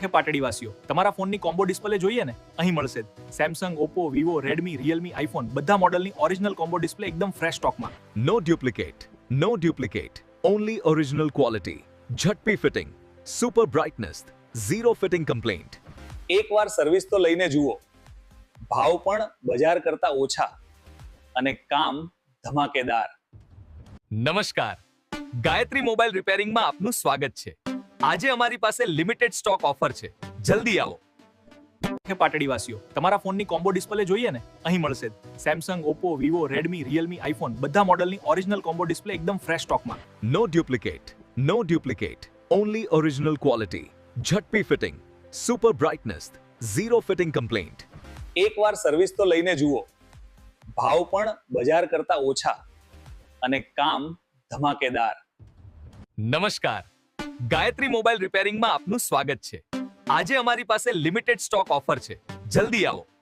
હે પાટડીવાસીઓ, તમારા ફોનની કોમ્બો ડિસ્પ્લે જોઈએ ને? અહીં મળશે જ. Samsung, Oppo, Vivo, Redmi, Realme, iPhone બધા મોડલની ઓરિજિનલ કોમ્બો ડિસ્પ્લે એકદમ ફ્રેશ સ્ટોકમાં. No duplicate, no duplicate, only original quality. Jhatpi fitting, super brightness, zero fitting complaint. એકવાર સર્વિસ તો લઈને જુઓ. ભાવ પણ બજાર કરતા ઓછા અને કામ ધમાકેદાર. નમસ્કાર, ગાયત્રી મોબાઈલ રિપેરિંગમાં આપનું સ્વાગત છે. આજે અમારી પાસે લિમિટેડ સ્ટોક ઓફર છે. જલ્દી આવો. હે પાટડીવાસીઓ, તમારા ફોનની કોમ્બો ડિસ્પ્લે જોઈએ ને? અહીં મળશે જ. Samsung, Oppo, Vivo, Redmi, Realme, iPhone બધા મોડલની ઓરિજિનલ કોમ્બો ડિસ્પ્લે એકદમ ફ્રેશ સ્ટોકમાં. No duplicate, no duplicate, only original quality. Jhatpi fitting, super brightness, zero fitting complaint. એકવાર સર્વિસ તો લઈને જુઓ. ભાવ પણ બજાર કરતા ઓછા અને કામ ધમાકેદાર. નમસ્કાર, ગાયત્રી મોબાઈલ રિપેરિંગમાં આપનું સ્વાગત છે. આજે અમારી પાસે લિમિટેડ સ્ટોક ઓફર છે. જલ્દી આવો.